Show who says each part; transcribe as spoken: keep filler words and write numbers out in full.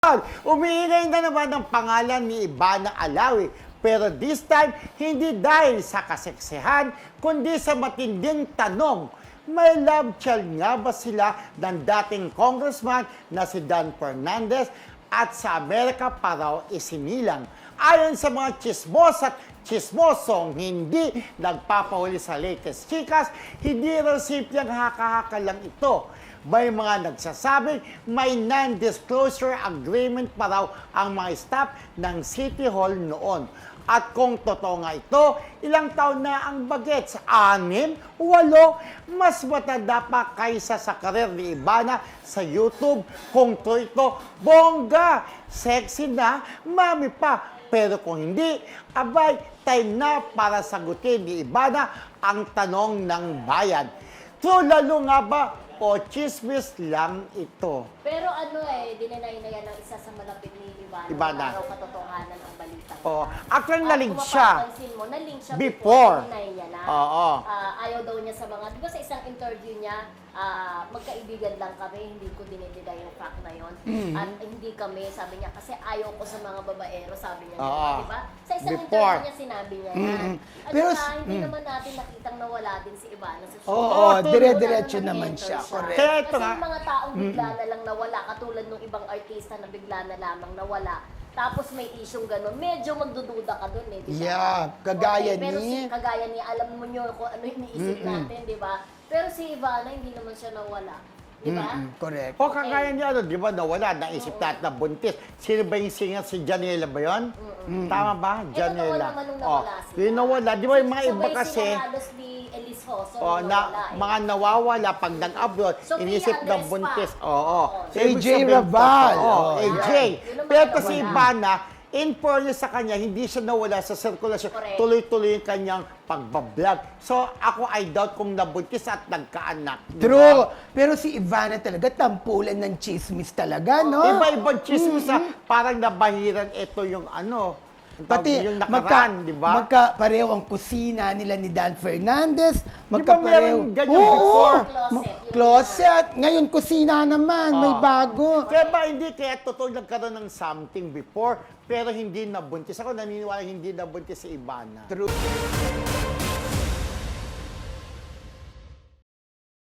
Speaker 1: Umiingay na naman ang pangalan ni Ivana Alawi. Pero this time, hindi dahil sa kaseksihan, kundi sa matinding tanong. May love child nga ba sila ng dating congressman na si Dan Fernandez at sa Amerika pa raw isinilang? Ayon sa mga chismos at chismosong hindi nagpapahuli sa latest chikas, hindi raw simpleng haka-haka lang ito. May mga nagsasabing may non-disclosure agreement pa raw ang mga staff ng City Hall noon. At kung totoo nga ito, ilang taon na ang bagets? Anim? Walo? Mas matanda pa kaysa sa karir ni Ivana sa YouTube. Kung to ito, bongga! Sexy na, mami pa. Pero kung hindi, abay, time na para sagutin ni Ivana ang tanong ng bayan. True lalo nga ba o chismis lang ito?
Speaker 2: Pero ano eh, dinanay na yan ang isa sa malapit ni Ivana.
Speaker 1: Ivana.
Speaker 2: Araw katotohanan ang balita.
Speaker 1: Oo. Actually, naling siya.
Speaker 2: At kung mapapansin mo, naling siya
Speaker 1: Before.
Speaker 2: before. Dinay niya na.
Speaker 1: Oo.
Speaker 2: Ah, ayaw daw niya sa mga, di ba sa isang interview niya, ah, magkaibigan lang kami, hindi ko dinidida yung fact na yon.
Speaker 1: Mm-hmm.
Speaker 2: At hindi kami, sabi niya, kasi ayaw ko sa mga babaero, sabi niya.
Speaker 1: Oo.
Speaker 2: Di ba? Sa isang
Speaker 1: Before.
Speaker 2: interview niya, sinabi niya yan.
Speaker 1: Mm-hmm.
Speaker 2: At
Speaker 3: Pero-
Speaker 2: saka, hindi
Speaker 3: mm.
Speaker 2: naman natin nakitang nawala din si Ivana sa show.
Speaker 3: Oo,
Speaker 1: Oo,
Speaker 3: dire-diretso
Speaker 2: Wala
Speaker 3: naman
Speaker 2: nag-enter
Speaker 3: siya. Correct.
Speaker 1: Kaya ito
Speaker 2: Kasi
Speaker 1: nga.
Speaker 2: yung mga taong bigla na lang nawala, katulad ng ibang artista na bigla na lamang nawala, tapos may isyong gano'n, medyo magdududa ka doon eh, di ba?
Speaker 3: Yeah, kagaya
Speaker 2: Okay, pero
Speaker 3: ni-
Speaker 2: si, kagaya ni, alam mo nyo kung ano yung iniisip natin, di ba? Pero si Ivana, hindi naman siya nawala, di ba?
Speaker 3: Mm-mm, correct.
Speaker 1: O kagaya niya, ano, di ba, nawala, naisip natin na buntis. Sino ba yung singer? Si Janela ba yun? Tama ba?
Speaker 2: Eh, totoo
Speaker 1: Janela.
Speaker 2: naman nung
Speaker 1: Oh,
Speaker 2: nawala sila.
Speaker 1: yung nawala. Di ba yung mga iba
Speaker 2: Sabay
Speaker 1: kasi,
Speaker 2: sila halos ni Elise Hoso,
Speaker 1: oh,
Speaker 2: nawala
Speaker 1: na,
Speaker 2: eh.
Speaker 1: mga nawawala pag nag-abroad,
Speaker 2: Sophia
Speaker 1: inisip na
Speaker 2: Andres
Speaker 1: buntis.
Speaker 2: pa.
Speaker 1: Oo.
Speaker 2: Oo.
Speaker 1: So,
Speaker 3: A J
Speaker 1: ibig sabihin,
Speaker 3: Rabal.
Speaker 1: Oo,
Speaker 3: Oh,
Speaker 1: A J.
Speaker 2: yan. Yun naman
Speaker 1: Pero
Speaker 2: ang
Speaker 1: kasi
Speaker 2: nawala.
Speaker 1: Ivana, in fairness sa kanya, hindi siya nawala sa sirkulasyon.
Speaker 2: Correct.
Speaker 1: Tuloy-tuloy yung kanyang pagbablog. So, ako I doubt kung nabuntis at nagkaanak. di ba?
Speaker 3: True. Pero si Ivana talaga, tampulan ng chismis talaga, no?
Speaker 1: Iba-ibang chismis ah, parang nabahiran ito yung ano,
Speaker 3: Pati
Speaker 1: yung
Speaker 3: magka,
Speaker 1: nakaraan, di ba?
Speaker 3: magka-pareho ang kusina nila ni Dan Fernandez.
Speaker 1: Di ba
Speaker 3: Magka-pareho.
Speaker 1: meron ganyan
Speaker 3: Oo,
Speaker 1: before?
Speaker 2: Closet.
Speaker 3: Closet. Ngayon, kusina naman. May
Speaker 1: Ah.
Speaker 3: bago.
Speaker 1: Kaya ba hindi kaya totoo nagkaroon ng something before pero hindi nabuntis? Ako naniniwala hindi nabuntis si Ivana.
Speaker 3: True.